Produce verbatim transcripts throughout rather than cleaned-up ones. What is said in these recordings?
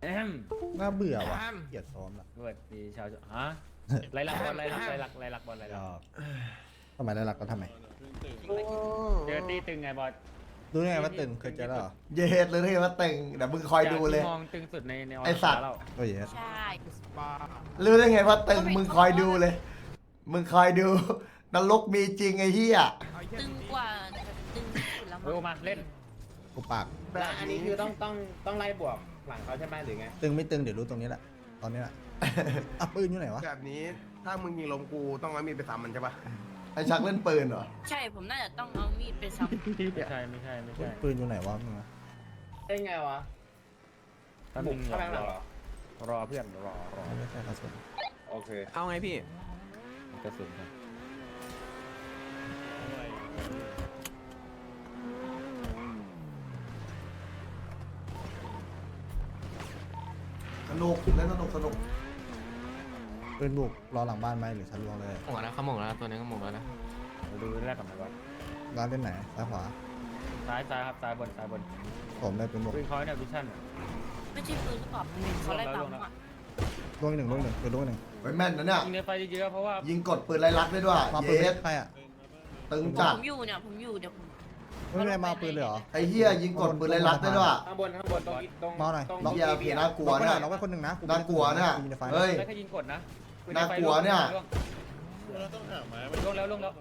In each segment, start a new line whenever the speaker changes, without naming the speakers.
แอม
น่าเบื่อว่ะเกลียดซ้อมละ
สวัสดีชาวฮะไรลักบอลไรลักไรลักไรลักบอลไรลัก
ทำไมได้รักก็ทำไม
เจอตีตึงไงบอล
รู้ไงว่าตึงเคยเจอแล้วเหรอ
เย็ดเลยที่ว่าเต็งเดี๋ยวมึงคอยดูเลย
มองตึงสุดในใน
ไอ้สัตว์
เรา
โอ้ย
ใช่
รู้ได้ไงว่าเต็งมึงคอยดูเลย มึงคอยดูนรกมีจริงไอ้เหี้ย
ตึงกว่าตึงที่สุดแล้ว
เออมาเล่น
กูปาก
แล้วอันนี้คือต้องต้องต้องไล่บวกหลังเขาใช่ไหมหรือไง
ตึงไม่ตึงเดี๋ยวรู้ตรงนี้แหละตอนนี้แหละอ่ะปืนอยู่ไหนวะ
แบบนี้ถ้ามึงยิงลมกูต้องเอามีดไปซ้ำมันใช่ปะ
ไอ้ชักเล่นปืนเหรอ
ใช่ผมน่าจะต้องเอามีดไปซ้ำ
ไม่ใช่ไม่ใช่ไม่ใช่
ปืนอยู่ไหนวะมึงอะ
ได้ไงวะ
ถ้า
บุ
มึ
ก
ง
เข้าไปข้างหลังเหรอ
รอเพื่อนรอรอ
ไม่ใช่กระสุน
โอเค
เอาไงพี่
กระสุนครับ
สนุกเล่นสนุกสนุก
ปืนบุกรอหลังบ้านไหมหรือชั้นรวงเลย
หมกแล้วเขาหมกแล้วตัวนี้ก็หมกแล้วนะ
เราดูแรกกับมันก่อน
ร้านเล่นไหนซ้ายขวา
ซ้ายซ้ายครับซ้ายบนซ้ายบน
ผมได้ปืนบุก
ปืนเขาเนี่ยวิชั่น
ไม่ใช่ปืนหรือเปล่าเขาไล่ตามอ่ะ
ลูกหนึ่งลูกหนึ่งปืนลูกหนึ่ง
ไว้แม่นนะเนี่ย
ยิงในไฟเยอะๆเพราะว่า
ยิงกดปืนไล่ลักได้ด้วย
มาปืน
เย็ด
ใครอ่ะ
ตึงจัด
ผมอยู่เนี่ยผมอยู่เดี๋ยวผม
ไม่ได้มาปืนเลยเหรอ
ไอ้เหี้ยยิงกดปืนไล่ลักได้ด้วย
ข้างบนข้างบนตรงตรง
เมาหน่อย
ตรง
เหี้ยเพียน่ากลัว
ล็อกไว้ห
เนี่
น่อย ยล็อกไว้คนหนึ่งนะ
น่ากลัวเนี่ยเฮ้ย
ได้แค่ยิงกดนะ
น่ากลัวเนี่ย
ล่วงแล้วล่วงแล้ว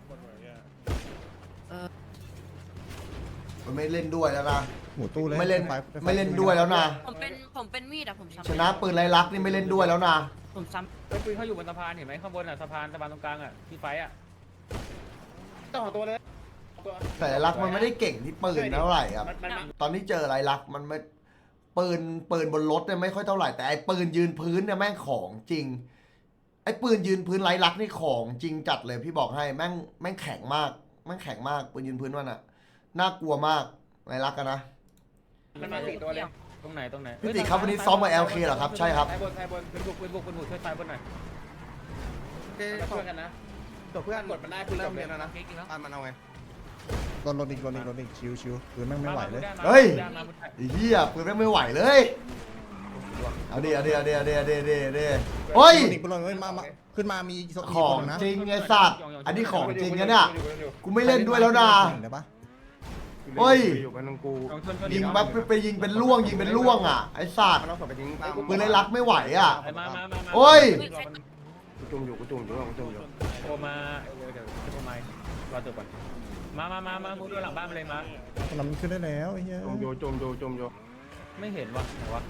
มันไม่เล่นด้วยแล้วนะ
หมูตู้เลย
ไม่เล่น
ฟ
ไม่เล่นด้วยแล้วนะ
ผมเป็นผมเป็นมีดอะผมซ้ำ
ชนะปืนไล่ลักนี่ไม่เล่นด้วยแล้วนะ
ผมซ้
เฮ้ยปืนเขาอยู่บนสะพานเห็นไหมข้างบนอ่ะสะพานสะพานตรงกลางอ่ะที่ไฟอ่ะ
ต้องของตัวเลยตัว
แต่ไล่ลักมันไม่ได้เก่งที่ปืนเท่าไหร่ครับ
มันมันมัน
ตอนที่เจอไล่ลักมันไม่ปืนปืนบนรถเนี่ยไม่ค่อยเท่าไหร่แต่ไอ้ปืนยืนพื้นเนี่ยแม่งของจริงไอ้ปืนยืนพื้นไล่ลักนี่ของจริงจัดเลยพี่บอกให้แม่งแม่งแข็งมากแม่งแข็งมากปืนยืนพื้นมันอะน่ากลัวมากไล่ลักกันนะ
มันมาสี่ตัวเลย
ตรงไหนตรงไหน
พี่ติครับวันนี้ซ้อมกับ แอล เค เหรอครับใช่ครับ
ซ้ายบนซ้ายบน
ปืนบุกปืนบุกปืนบุกช่วยซ้ายบนหน่อย
มาช่วยกันนะ
ตัวเพื่อน
กดมันได้
เริ่ม
เล
เรี
ย
ยนแล้วนะอ่านมันเอาไง
โดนโดนอีกโดนอีกโดนอีกชิวชิวปืนแม่งไม่ไหวเลย
เฮ้ย ไอ้เหี้ยปืนแม่งไม่ไหวเลยเอาดิเอาดิเอาดิเอาดิเอาดิเอาดิเอาดิเฮ้ย
โดนอีกปืนโดนอีกมามาขึ้นมามีอีก
ของ
คนนะ
จริงไอ้สัตว์อันนี้ของจริงนะเนี่ยกูไม่เล่นด้วยแล้วนะ
เห็นได้ปะ
เฮ้ย
อยู่กันตรงกู
ยิงแบบไปยิงเป็นล่วงยิงเป็นล่วงอ่ะไอ้สัตว์
มันเอาศพไปทิ้งตาม
ปืนไล่ลักไม่ไหวอ่ะ
มามามา
โอ้ย
กูจุ่มอยู่กูจุ่มอยู่กูจุ่มอยู่
โอมาเดี๋ยวเดี๋ยวโอมารอจบก่อนมามามามามุดดูหลังบ้านไปเลยมา
คนนั้นมันขึ้นได้แล้วไอ้เหี้ย
จุ่มอยู่จุ่มอยู่จุ่มอยู่
ไม่เห็นวะไหนวะ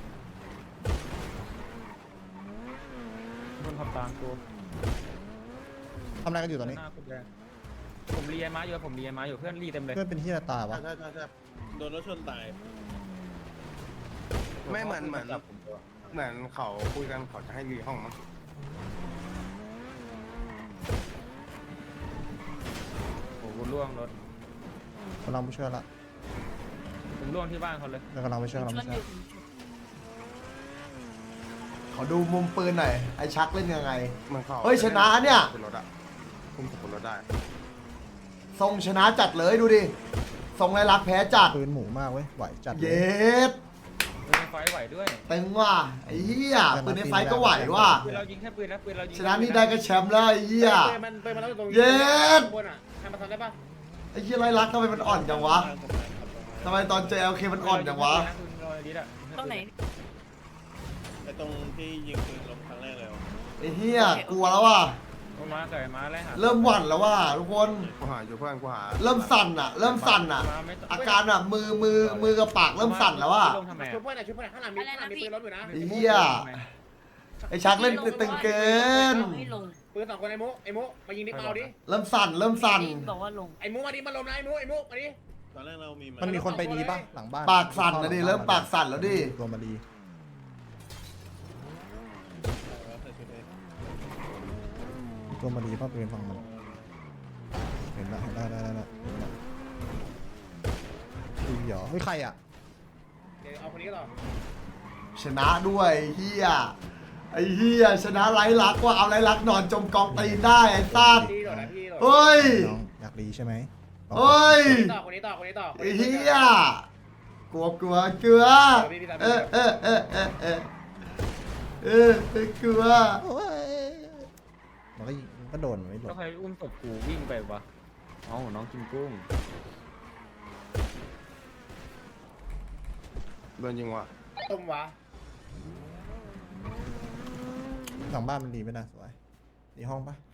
คนขับตามตัว
ทำอะไรกันอยู่ตอนนี้
หน้าคุณแดงผมรีไอม้าอยู่ผมรีไอม้าอยู่เพื่อนรีเต็มเลย
เพื่อนเป็นเหี้ยตายวะ
ใช่ใช่ใช่
โดนรถชนตาย
ไม่เหมือนเหมือนเหมือนเขาคุยกันเขาจะให้รีห้องมั้ง
โอ้โหล่วงรถ
กำลังไปช่วยละ
ผมล่วงที่บ้านเขาเลย
แล้วกำลังไปช่วย
ำ
กำลัง
ช
ไป
วน
ช่
อ
วย
ยู่
ขอดูมุมปืนหน่อยไอ้ชักเล่นยังไง
เหมือนเขา
เฮ้ยชนะเนี่ย
คุมรถอะคุมรถได้
ทรงชนะจัดเลยดูดิทรงไล่ลักแพ้จัด
ปืนหมูมากเว้ยไหวจัดเลย
เย็ด
ปืนไฟไหวด้วย
ตึงว่ะไอ้เหี้ยปืนในไฟก็ไหวว่ะ
ปืนเรายิงแค่ปืนนะปืนเรายิง
ชนะนี่ได้ก็แชมป์แล้วไอ้เหี้ย
เปิดมันเปิดมันแล้วตรง
เย็ด
บนอ่ะทำมาทำได้ปะ
ไอ้เหี้ยไล่ลักทำไมมันอ่อนจังวะทำไมตอนเจอ แอล เค มันอ่อนจังวะ
ตรงไหน
ไอ้ตรงที่ยิงปืนลงครั้งแรกเลยวะ
ไอ้เหี้ยกลัวแล้วว่ะ
ลงมาเกิดมาไล่หา
เริ่มหวั่นแล้วว่ะทุกคน
กูหาอยู่เพื่อนกูหา
เริ่มสั่นอ่ะ เริ่มสั่นอ่ะ อาการอ่ะมือมือมือกับปากเริ่มสั่นแล้วว่ะ
ลงทำไม
ช่วยเพื่อนหน่อยช่วยเพื่อนหน่อยข้างหลังมีข้างหลังมีปืนรถอยู่นะ
ไอ้เหี้ยไอ้ชักเล่นตึงเกิน
ให้ลง
ปืนสองคนไอ้มุไอ้มุมายิงดิมาเอาดิ
เริ่มสั่นเริ่มสั่น
บอกว่าลง
ไอ้มุมาดิมาลมนะไอ้มุไอ้มุมาดิ
ตอนแรกเรามี
มันมีคนไปดีปะหลังบ้าน
ปากสั่นนะดิเริ่มปากสั่นแล้วดิ
ตัวมาดีตัวมาดีป้าปืนฝั่งมันเห็นละเห็นได้ได้ได้ได้เห็นละดูเหรอเฮ้ยใครอ่ะ
เดี๋ยวเอาคนนี้ต่อ
ชนะด้วยเฮียไอ้เฮียชนะไร้ลักว่าเอาไร้ลักนอนจมกองตีนได้ไอ้ซ่าน
พี่ต่อนะพี่ต่อ
เฮ้ย
น้องอยากดีใช่ไหม
เฮ้ย
ต่อคนนี้ต่อคนนี้ต่อ
ไอ้เฮียกลัวกลัวเกลือเออเออเออเออเออเออกลัว
โอ้ยมันก็ยิงมันก็โดนไม่หล
แล้ว
บ
ใครอุ้มศพกูวิ่งไปวะอ๋อน้องกินกุ้ง
โดนยิงว่ะ
ต้มวะ
หลังบ้านมันดีไหมนะสวยดีห้องปะ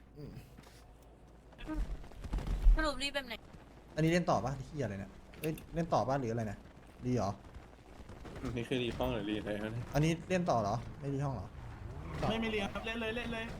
สรุปรีบแบบไหน
อันนี้เล่นต่อปะที่อะไรเนี่ยเอ้ยเล่นต่อปะหรืออะไรนะดีเหรอ
นี่คือรีฟ้องหรือรีอะไรครับเนี่ย
อันนี้เล่นต่อเหรอไม่ดีห้องเหรอ
ไม่ไม่เรียนครับเล่นเลยเล่นเลย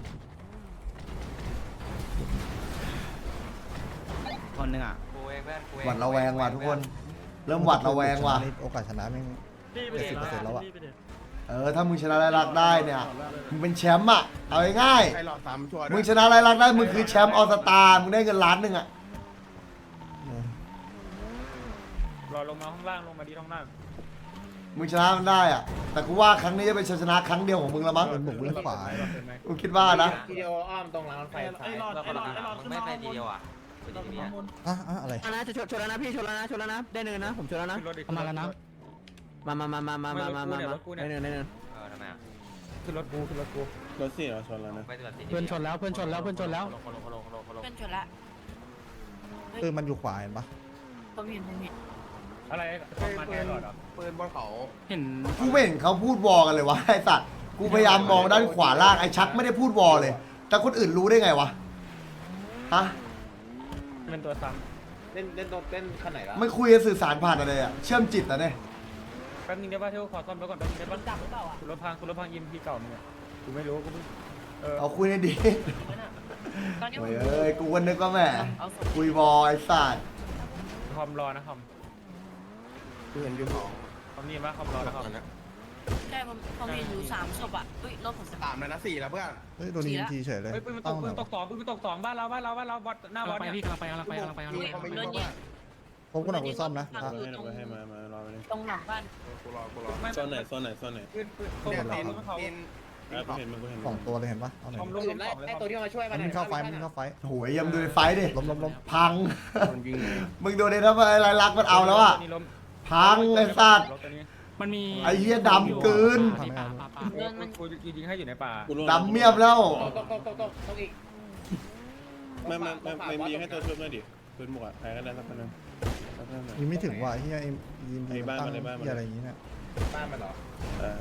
คนหนึ่งอ่ะ
หวัดระแวงว่ะทุกคน เริ่มหวัดระแวงว่ะ
นี่โอกาสชนะแม่งเจ็ดสิบเปอร์เซ็นต์แล้วอะ
เออถ้ามึงชนะไรลักษณ์ได้เนี่ยมึงเป็นแชมป์อ่ะเอาง่าย
ใครหลอดสามชัวร์
ๆ
ด้
มึ
ว
ง
ย
ชนะไรลักษณ์ได้มึงคือแชมป์ออสตามึงได้เงินล้านหนึ่งอ่ะ
เออ
รอลงมาข้างล่างลงมาดีข้างล่าง
มึงชนะมันได้อ่ะแต่กูว่าครั้งนี้จะเป็นชัยชนะครั้งเดียวของมึงละมั้ง
เป็นบุกเล่นขวา
กูคิดว่านะ
วิดีโออ้อมตรงรางรถไฟซ้าย
ไม่ไปดีเดียวอ่ะ
อ่ะอ่ะอะไร
ชนะชนชนแล้วนะพี่ชนแล้วนะชนแล้วนะได้เนินนะผมชนแล้วนะ
ขึ้นรถดิ
เข้ามาแล้วนะมามามามามามามามา
รถกูเนี่ย
ได้เนินได้เนิน
เออทำไมอ่ะ
ขึ้นรถกูขึ้นรถกู
รถสี่เราชนแล้วนะ
ไม่ตัดสิน
เพื่อนชนแล้วเพื่อนชนแล้วเพื่อนชนแล้ว
เป็นชนละ
คือมันอยู่ขวาเห็นปะ
ผมเห็นผมเห็น
อะไรมาแทนหลอดเหรอ
ปืนบนเขา
เห็น
กูไม่เห็นเขาพูดวอกันเลยวะไอ้สัตว์กูพยายามมองด้านขวาล่างไอ้ชักไม่ได้พูดวอเลย แต่คนอื่นรู้ได้ไงวะฮะ
เป็นตัวซ้
เล่นเล่นรถเล่นคันไหนละ
ไม่คุยกันสื่อสารผ่านอะไรอ่ะเชื่อมจิตนะเนี่ย
ำแป๊บนึงได้ป่ะเที่ยวขอซ่อมรถก่อนแป๊บนึงได้ป่ะจับหรือเปล่าอ่ะรถพังรถพังยิมพีเก่ามึงอ่ะกูไม่รู้กูเพิ่งเออ
เอาคุยในดี
ตอนนี้ผ
โอ้
ม
ยเอ้ยกูก็นึกว่าแหม
เอาศพ
คุยวอไอ้สัตว์
คอมรอนะคอม
คือเห็นอยู่สอง
คอมนี่ป่ะคอมรอนะคอม
ใช่ผมผมเห็นอยู่สามศพอ่ะอุ้ยรถผมส
สามเลยนะสี่แล้วเพื่อน
เฮ้ยโดนยิงทีเฉยเลย
เฮ้ยปืนมันต
ตั้
ก
ง
ปื
หน่
น
อย
ตกสองปืนมันตกสองบ้านเราบ้านเราบ้านเราบอสหน้าบอสเนี่ย
พี่กำลังไปกำลังไปกำลังไปกำลังไป
โดนยิง
พบกูหน่อยกูซ่อมนะ
Ờ,
ฝั่ง
ให้
อยู่
ห
ต
น่
ร
อย
ง
ให้มามารอไปเลย
ตรงหลังบ้าน
กูรอกูรอ
ไม่
โซนไหนโซนไหนโซนไหน
ปืนปืนตก
เนี่ย
สอง
ตีน
ปืนเขา
ตีน
อ่ะกูเห็นมึงกูเห็น
สองตัวเลยเห็นปะเอาหน่อย
คอม
ดิ
ลงลง
ไล่
สองเลย
ไล่ตัวที่มาช่วยมั
มัน นวิ่งเข้าไฟมันวิ่งเข้าไฟ
โหยยังดูในไฟดิ
ล้มล้มล้ม
พัง
โดนยิงเลย
มึงดูในถ้าอะไรรักมันเอาแล้วอ่ะ
นี่ล้ม
พังไอ้สัตว์
รถตัวนี้
มันมี
ไอ้เหี้ยดำเกิน
เดินมัน
กูยิงให้อยู่ในป่า
กูรู้
ดำเมียมแล้ว
ตกตกตกตกตกตกอีก
ไม่ไม่ไม่ไม่มีให้ตัวช่วยหน่อยดิปืนหมวกอ่ะใครก็ได้สักคนนึงสักคนนึง
ยิงไม่ถึงว่ะไอ้เฮียไอ้ยิงดี
ไอ้
มัน
บ้าน
ตั้ง
มันไอ้บ้านมัน
เฮียอะไรอย่างงี้เนี่ย
บ้านมันเหรอ
เออ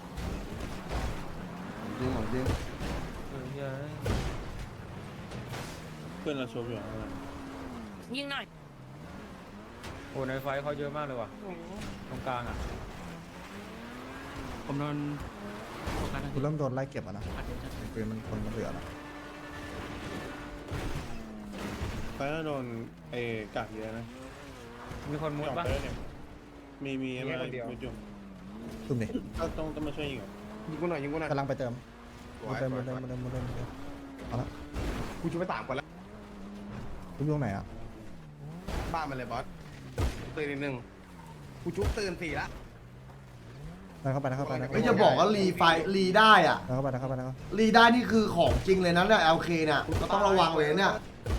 จริงของจริง
เออเหี้ย
เพื่อนเราชมอยู่ข้างหลัง
ยิงหน่อย
โอ้ในไฟเขาเยอะมากเลยว่ะตรงกลางอ่ะ
ผมโดน
กูเริ่มโดนไล่เก็บอ่ะนะปืนมันคนมันเหลือแล้ว
ไปแล้วโดนไอ้กากเยอะนะ
มีคนมุด
จ่อง
ปะ
ไปแล้วเนี่ยมีมีอะไรมุดอยู่
ตุ้มดิ
ก็ต้องต้องมาช่วยยิงอ่ะ
ยิงกูหน่อยยิงกูหน่อย
กำลังไปเติม
สวย
เติม
สวย
เติมเติมเติมเติมเติมเอาละ
กูช่วยไปสามคนแล้ว
ตุ้มอยู่ตรงไหนอ่ะ
บ้านมันเลยบอสตื่นนิดนึงกูชุบตื่นสี่ละ
นั่นเข้าไปนะเข้าไปนะ
ไม่จะบอกว่ารีไฟรีได้อ่ะ
นั่นเข้าไปนะเข้าไปนะ
รีได้นี่คือของจริงเลยนะเนี่ย แอล เค เนี่ยก็ต้องระวังเลยเนี่ย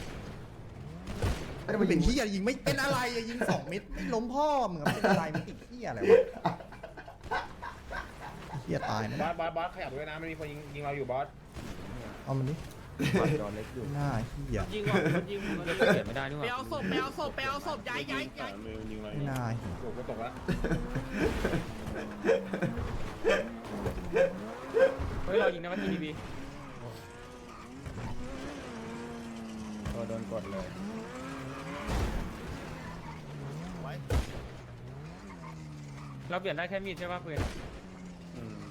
ไม่ได้
มั
มาน ยิ
เป็
ง
นขี้ยยิงไม่เป็นอะไรอะยิงสองเม็ดไม่ล้มพ่อมึงอะเป็นอะไรมันติดขี้ยอะไรวะเฮียตายนะ
บอสบอสบอสขยับด้วยนะมันมีคนยิงยิงเราอยู่บอส
เอามันดิ
จอเล็กอยู่
หน้าเฮีย
ยิงว่ะยิงมันเขียนไม่ได้นี่หว่า
ไปเอาศพไปเอาศพไปเอาศพย้ายย้าย
สามมือยิงอะไร
ไม่น่าเหี้ย
ตกก็ตกแล้ว
เฮ้ยเรายิงนะว่าทีดีบีโอ้โดนกดเลยเราเปลี่ยนได้แค่มีดใช่ป่ะปืน
อืม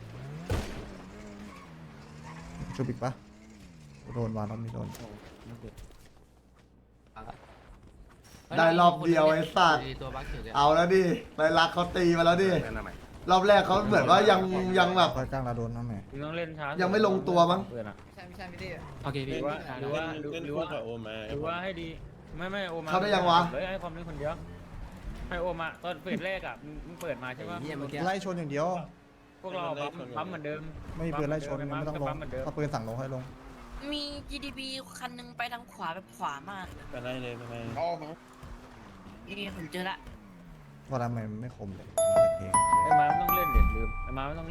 ชูบิกปะโดนวานรอบนี้โดน
ได้รอบเดียวไอ้สัตว์
ตัวบัคอยู่เนี่ย
เอาแล้วดิไรลักษณ์เขาตีมาแล้วดิ
นั่นน่ะไหม
รอบแรกเขาเหมือนว่ายังยังแบบ
คอยกลางเราโดนน้ำแม่
มึงต้องเล่นช้า
ยั
ยัง
ไม่ลงตัวมั้ง
ปืนอะ
ใช่ไม่ใช่ไม่ได้
โอเค
ห
พี่
รือว่าหรือว่า
เล่น
ห
เล่น
รือ
คู่
ว่า
กับโอมา
หรือว่าให้ดีไม่ไม่โอมา
เข้าได้ยังวะ
เลยให้ความเล่นคนเดียวให้โอมาตอนเปิดแรกอ่ะมึงมึงเปิดมาใช่ป่ะ
เยี่ยมเมื่อกี้
ไล่ชนอย่างเดียว
พวกเราปั๊มปั๊มเหมือนเดิม
ไม่มีปืนไล่ชนไม่ต้องลง
ปั๊มเหมือนเดิม
ถ้าปืนสั่งลงให้ลง
มี จี ดี บี คันหนึงไปทางขวาแบบขวามาก
ไปไล่เลยไปไล่
อ๋อ
นี่ผมเจอละ
ว่าทำไมมันไม่คมเลยเพลง
ไอ้มามันต้องเล่นเด็ดลืมไอ้มามันต้อง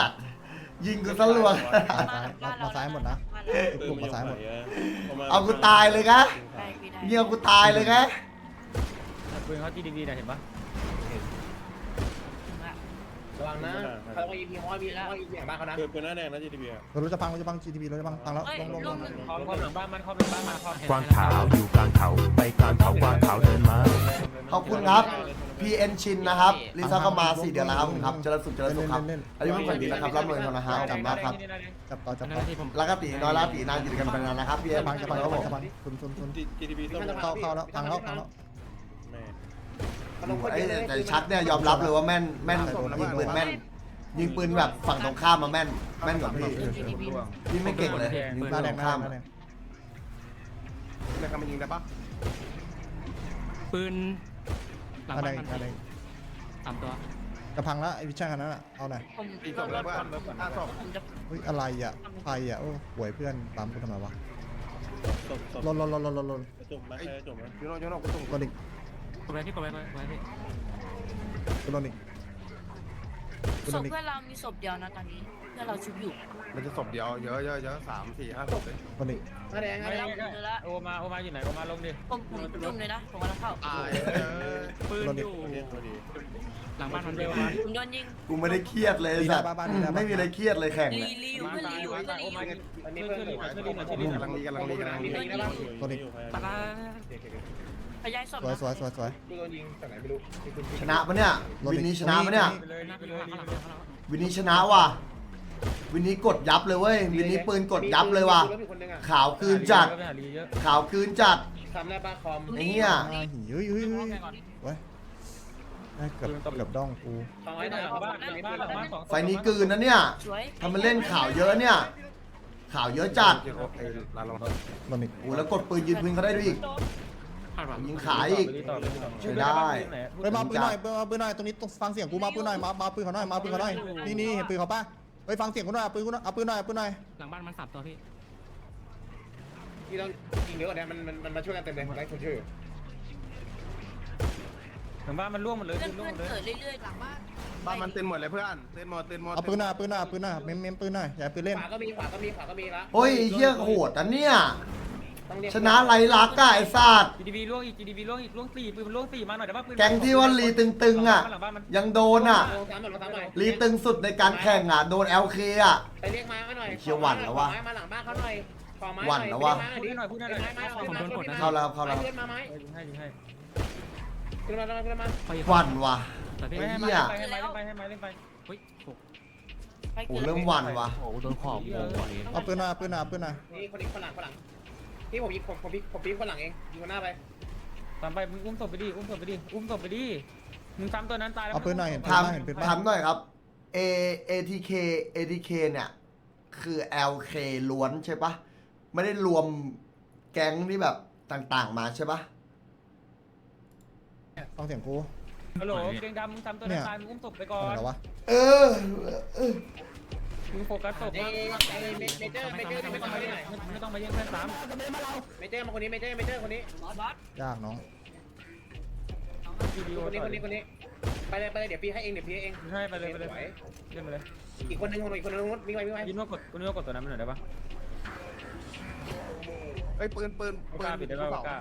สัตว์ยิงกูซะรัว
มาซ้ายหมดนะ
ปืน
กลุ่ม
มัน
มาซ้ายหมด
เอากูตายเลยนะ
ได้พี่ได้
เงี้ยกูตายเลยนะ
ปืนเขา จี ดี บี นะเห็นปะ
ระวังนะเขาต้องยิงพีห้อยมีแล้วยิงอย่างบ้านเขานะ
ปืนปืนหน้าแดงนะ จี ที บี อ่ะ
รถจะพังรถจะพัง จี ที บี รถจะพังพังแล้ว
เอ้ย
ลงลงล
ลู
ง
กหนึ่ง
คอมคอมหลังบ้านมันคอมหลังบ้านมันคอม
กวางขาวอยู่กลางเขาไปกลางเขากวางขาวเดินมา
ขอบคุณครับ พี เอ็น ชินนะครับลิซ่าก็มาสี่เดือนแล้วครับผมครับเจริญสุขเจริญสุขครับอายุเพิ่งผ่านดีนะครับร่ำรวยกันนะฮะขอบคุณมากครับ
จับต่อจับต่อ
แล้วก็ตีน้อยแล้วตีนานอยู่กันไปนานนะครับพี่เอ็
จะ
ม
พังจะพัง
ค
จะ
รับผ
พัง
ม
จะพังซุนซุนซุน
จี ที บี ส้ม
เข้าเข้าแล้วพังแล้วพังแล้ว
แม่
ไอ้แต่ชัดเนี่ยยอมรับเลยว่าแม่นแม่นยิงปืนแม่นยิงปืนแบบฝั่งตรงข้ามมาแม่นแม่นกว่าพี่พี่ไม่เก่งเลยยิง
ห
ปื
น้าน แด
ตรง ง
หน้า
ข้าม
หน้าแดง
เนี่ยกำลังยิงได้ปะ
ปืน
หน้าแดงหน้าแดง
สามตัว
จะพังแล้วไอ้วิชั่นคันนั้นอ่ะเอาหน่อย
ผม
ตีศพแล้วเพื่อนห้าศพ
ผมจะ
เฮ้ยอะไรอ่ะใครอ่ะโอ้ป่วยเพื่อนตามกูทำไมวะ
ศพศพ
ลนลนลนลนลนลน
จมไหมใครจมไหม
ยูโน่ยูโน่กูส่ง
ลนอีก
กดไว้พี่กดไว้กดไว้พี่
กูลนอีกกู
ศ
ล
พ
นอีก
เพื่อนเรามีศพเดียวนะตอนนี้เพื่อนเราชุบอยู่
มันจะศพเดียวเยอะเยอะเยอะสามสี่ห้าศพเลย
ลนอีก
หน้าแดงหน้า
ไม่
แด
ได้
ง
ไม่ได้โอมาโอมาอยู่ไหนโอมาลงดิ
ผมผมจุ่มเลยนะผมกำลังเข้า
ตาย
ปืนอยู่
เรียกพอดี
หลังบ้านมันเร็ว
ผมโดนยิง
กูไม่ได้เครียดเลยสัตว์ไม่มีอะไรเครียดเลยแข่ง
รี
เนี่ย
รีอยู่
มา
เพื่อน
ตาย
รีอยู่
มา
เพื่อ
ตาน ยโอ
รีอ
มา
ยู่
อันนี้
ช่วย
เพื่อน
ช่วยรีหน่อยช่วยรีหน่อยช่วยรีหน่อย
กำลังดีกำลังดีกำลังดี
ลนอีก
ปะละ
พยายศพ
สวย
นะ
สวยสวยสวย
กูโดนยิงจากไหนไม่รู้
ชนะปะเนี่ยวินนี้ชนะปะเนี่ย
ไปเลยไปเลยไปเลย
วินนี้ชนะว่ะวินนี้กดยับเลยเว้ยวินนี้ปืนกดยับเลยว่ะขาวคืนจัด
ไปหาลีเยอะ
ขาวคืนจัด
ทำได้ปะคอม
ไอ้เหี้ย
อ่าหิวเฮ้ยเฮ้ยเฮ้ยเว้ยได้เกือบเกือบด้องกู
สอง
ไป
ร้อย
ห
ห
ลั
น่อย
งบ้านหลังบ้านหลังบ้านสอง
ไฟนี้กลืนนะเนี่ย
สวย
ทำมันเล่นข่าวเยอะเนี่ยข่าวเยอะจัด
ลาลง
ลนอีก
โอ้แล้วกดปืนยืนพื้นเขาได้ด้วยอีก
พลาดว่ะ
ยิงขายอีก ใช้ได้
เฮ้ยมาปืนหน่อยมาปืนหน่อยตรงนี้ต้องฟังเสียงกูมาปืนหน่อยมามาปืนเขาหน่อยมาปืนเขาหน่อยนี่นี่เห็นปืนเขาปะเฮ้ยฟังเสียงกูหน่อยเอาปืนกูหน่อยเอาปืนหน่อยเอาปืนหน่อย
หลังบ้านมันสามตัวพี่
ที่ต้องยิงเยอะกว่านี้มันมันมันมาช่วยกันเต็มเลยไล่คนช่วยอยู่
หลังบ้านมันร่วงหมดเลย
เพื่อน
ร่ว
เพื่
ง
อน
หมดเลย
เกิดเรื่อยๆหลังบ้าน
บ้านมันเต้นหมดเลยเพื่อนเต้นหมดเต้นหมด
เอาปืนหน่อยเอาปืนหน่อยเอาปืนหน่อยเมมเมมปืนหน่อยอย่าให้ปืนเล่น
ขวาก็มีขวาก็มีขวาก็มีละ
โอ้ยเฮี้ยโหดอันเนี่ย
ต้องเรียก
ชนะไรลักษณ์อะไอ้สัตว์
จีดีบีร่วงอีกจีดีบีร่วงอีกร่วงสี่ปืนมันร่วงสี่มาหน่อยแต่ว่าปืน
แก๊งที่ว่าลีตึงๆอ่ะ
หลังบ้านมัน
ยังโดนอ่ะ
ลงซ้ำหน่อยลงซ้ำหน่อย
ลีตึงสุดในการแข่งอ่ะโดน แอล เค อ่ะ
ไปเรียกไม้มาหน่อย
เชี่ยวหวั่นแล้ววะ
ไม้มาหลังบ้านเขาหน่อยขอไม้
หวั่นแล้ววะ
พูดให้หน่อยพูดให้หน่อย
ไม้มาหน่อย
เข้าแล้วครับเข้าแล้ว
เพื่อนมาไหม
ยิงให้ยิงให้
ขึ้นมาขึ้นมา
หวั่นว่ะ
แต่พี่
ไม่ให้
เหี้
มาย เล่นไปให้มาเล่นไปให้มาเล่นไป
เฮ้ยโอ้
ไป
โอ้
เกิด
เริ่มหวั่นว่ะ
โหโดนขอบวงว่ะนี่
เอาปืนหน่อยเอาปืนหน่อยเอาปืนหน่อย
นี่คนนี้คนหลังคนหลังพี่ผมยิงผมผมพี่ผมพี่คนหลังเองยิงคนหน้าไป
ตามไปมึงอุ้มศพไปดิอุ้มศพไปดิอุ้มศพไปดิมึงซ้ำตัวนั้นตายแล้ว
เอาปืนหน่อยเห็นปืน
ถาม
ปะเห็นปืนปะ
ถามหน่อยครับ A ATK ATK เนี่ย คือ แอล เค ล้วนใช่ปะไม่ได้รวมแก๊งที่แบบต่างๆมาใช่ปะ
ฟังเสียงกู
ฮัลโหลเกงดำมึงซ้ำตัวนั้นตายมึงอุ้มศพไปก่อ
อะไร
น
กันวะ
เออเออ
มึงโฟกัสศพ
เอ้
มาก
เมเจอร์เมเจอร์ไม่ต้องมาที่ไหน
ไม่ต้องมาแย่งเพื่อนซ้
เมเจอร์มาคนนี้เมเจอร์เมเจอร์คนนี้
ยากน้อง
ำวิดีโอ
คนนี้
ต่อ
คนนี้คนนี้ไปเลยไปเลยเดี๋ยวพี่ให้เองเดี๋ยวพี่ให้เอง
ให้ไปเลยไปเลยเล่นไปเลย
อีกคนนึงคนอีกคนนึงวิ่งไปวิ่งไป
ยินว่ากดกูนึกว่ากดตัวนั้นมันหน่อยได้ปะ
เฮ้ยปืนปืน
ไว้
ปื
กล้าน ปิดได้ปะไว้กล้า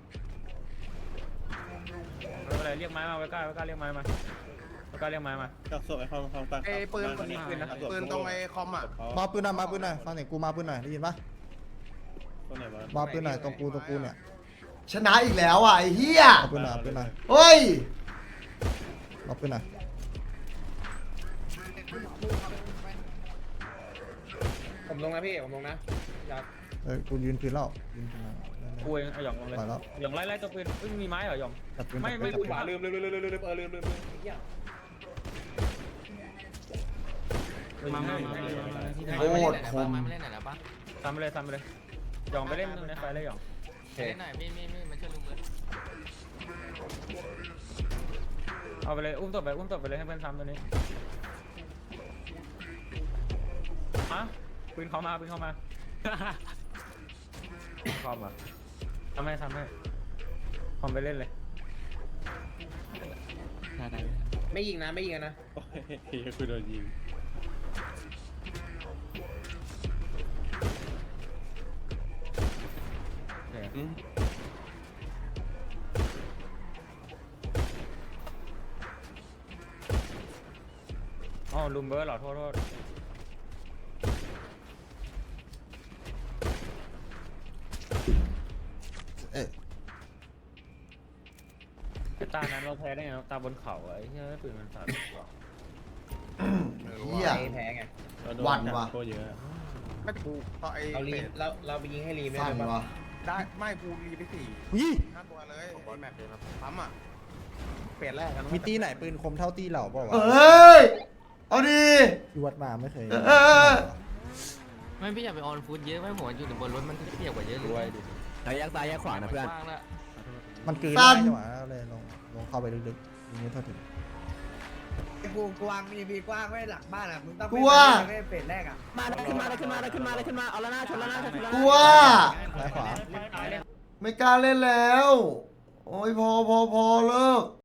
ไม่เป็นไรเรียกไม้มาไว้กล้าไว้กล้าเรียกไม้มาไว้กล้าเรียกไม้มา
กักศพไอ้ความความตัง
ไอ้ปืนปืนตรงไอ้คอมอ่ะ
มาปืนหน่อยมาปืนหน่อยฟังเสียงกูมาปืนหน่อยได้ยินปะ
ตัวไหนวะ
มาปืนหน่อยตรงกูตรงกูเนี่ย
ชนะอีกแล้วอ่ะไอ้เหี้ย
เอาปืนหน่อยเอาปืนหน่อย
เฮ้ย
เอาปืนหน่อย
ผมลงนะพี่ผมลงนะอยาก
เอ้ยกูยืนพื้นแล้วยืนพื้นแล้ว
กูเองเอาหยองลงเลย
ไปแล้ว
หยองไล่ไล่ตัวปืนเอ้ยมีไม้เหรอหยอง
จับปืน
ไม่
จับ
ไม่
ปืน
ขวาลืมลืมลืมลืมลืมเออลืมลืมลืมเหี้ย
มามามาที่ไหน
โคตรคม
มาเล่นไหนแล้วปะ
ทำไปเลยทำไปเลยหยองไปเล่นในไฟเลยหยอง
เล่นไหนพี่พี่พี่มาช่วยลุงเบิร์ด
เอาไปเลยอุ้มศพไปอุ้มศพไปเลยให้เพื่อนซ้ำตัวนี้ฮะปืนเขามาปืนเขามาคอมอ่ะทำให้ทำให้คอมไปเล่นเลย
ได้ได้
ไม่ยิงนะไม่ยิงนะ
โอ้ยเฮียคือโดนยิง
โอเค
อืม
อ๋อลุมเบิร์ดเหรอโทษโทษ
เออ
ไอ้ตานั้นเราแพ้ได้ไงตาบนเขาอะไอ้เหี้ยปืนมันสาด
เฮีย
แพ้ไง
เราโด
วัน
จับ
ว่ะ
โคตรเยอะ
ไม่กูต่อไอ้
เรารี
เป็ด
เราเราไปยิงให้รีไม่
สั่
ได้
น
ปะ
วะ
ได้ไม่กูรีไปสี่
ยี่
ห้าตัวเลยไอ้แมปปั๊มอ่ะเป็ดแรกกัน
มีตีไหนปืนคมเท่าตีเหล่าเปล่าวะ
เอ้ยเอาดี
ที่วัดมาไม่เคย
เออ
ไม่พี่อย่าไปออนฟูดเยอะไม่หัวอยู่บนรถมันเปียกกว่าเยอะเลย
ด้วยดิ
แล้วแยกซ้ายแยกขวานะเพื่อน
มันกลืนได้จังหวะเลยลงลงเข้าไปลึกๆอย่างนี้เท่าถึง
กูกวางมีมีกว้างไว้หลังบ้านอ่ะมึงต้อง
กูว่า
ไม่เป็ดแรกอ่ะ
มาได้ขึ้นมาได้ขึ้นมาได้ขึ้นมาได้ขึ้นมาเอาละหน้าชนละหน้าชนละหน้า
กูว่า
ซ้ายขวา
ไม่กล้าเล่นแล้ว โอ้ยพอพอพอเลิก